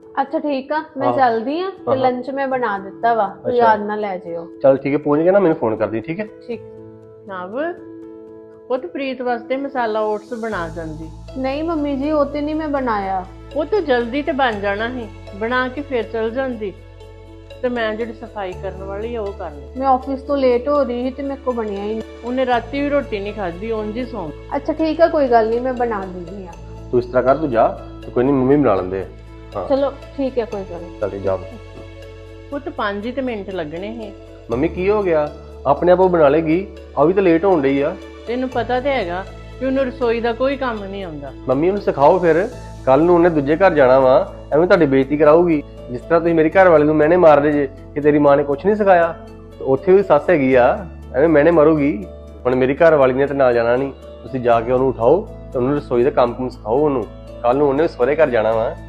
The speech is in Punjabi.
अच्छा ठीक है, मैं हाँ। चलदी हां ते हाँ। लंच में बना दिता वा, तू अच्छा। याद ना ले जियो। चल ठीक है, पहुंच गया ना, मैंने फोन कर दी। ठीक है। ठीक। ਨਵ ਉਹ ਤੇ ਪ੍ਰੀਤ ਵਾਸਤੇ ਮਸਾਲਾ ਓਟਸ ਬਣਾ ਜਾਂਦੀ। नहीं मम्मी जी, वो तो नहीं मैं बनाया। ਉਹ ਤਾਂ ਜਲਦੀ ਤੇ ਬਣ ਜਾਣਾ ਸੀ, ਬਣਾ ਕੇ ਫਿਰ ਚਲ ਜਾਂਦੀ ਤੇ ਮੈਂ ਜਿਹੜੀ ਸਫਾਈ ਕਰਨ ਵਾਲੀ ਆ ਉਹ ਕਰ ਲਈ। मैं ऑफिस तो लेट हो रही थी, तो मेरे को बनया ही नहीं। ਉਹਨੇ ਰਾਤੀ ਵੀ ਰੋਟੀ ਨਹੀਂ ਖਾਧੀ, ਉਂਝ ਹੀ ਸੌਂ ਗਈ। अच्छा ठीक है, कोई गल नहीं, मैं बना दूंगी हां। तू इस तरह कर, तू जा, तो कोई नहीं, मम्मी बना लेंदे। हाँ चलो ठीक है, कोई गल नहीं। चल जा। ਉਹ ਤਾਂ 5 ਹੀ ਤੇ ਮਿੰਟ ਲੱਗਣੇ ਸੀ। मम्मी की हो गया, अपने आप वो बना लेगी, अभी तो लेट होने रही है। ਤੈਨੂੰ ਪਤਾ ਤੇ ਹੈਗਾ ਕਿ ਉਹਨੂੰ ਰਸੋਈ ਦਾ ਕੋਈ ਕੰਮ ਨਹੀਂ ਆਉਂਦਾ। ਮੰਮੀ ਉਹਨੂੰ ਸਿਖਾਓ, ਫਿਰ ਕੱਲ ਨੂੰ ਉਹਨੇ ਦੂਜੇ ਘਰ ਜਾਣਾ ਵਾ, ਐਵੇਂ ਤੁਹਾਡੀ ਬੇਇੱਜ਼ਤੀ ਕਰਾਊਗੀ। ਜਿਸ ਤਰ੍ਹਾਂ ਤੁਸੀਂ ਮੇਰੀ ਘਰ ਵਾਲੇ ਨੂੰ ਮੈਨੇ ਮਾਰਦੇ ਜੇ ਕਿ ਤੇਰੀ ਮਾਂ ਨੇ ਕੁਝ ਨਹੀਂ ਸਿਖਾਇਆ, ਤੇ ਉੱਥੇ ਵੀ ਸੱਸ ਹੈਗੀ ਆ, ਐਵੇਂ ਮੈਨੇ ਮਾਰੂਗੀ। ਹੁਣ ਮੇਰੀ ਘਰ ਵਾਲੀ ਨੇ ਤੇ ਨਾਲ ਜਾਣਾ ਨਹੀਂ, ਤੁਸੀਂ ਜਾ ਕੇ ਉਹਨੂੰ ਉਠਾਓ ਤੇ ਉਹਨੂੰ ਰਸੋਈ ਦਾ ਕੰਮ ਸਿਖਾਓ ਉਹਨੂੰ। ਕੱਲ ਨੂੰ ਉਹਨੇ ਸਹੁਰੇ ਘਰ ਜਾਣਾ ਵਾ,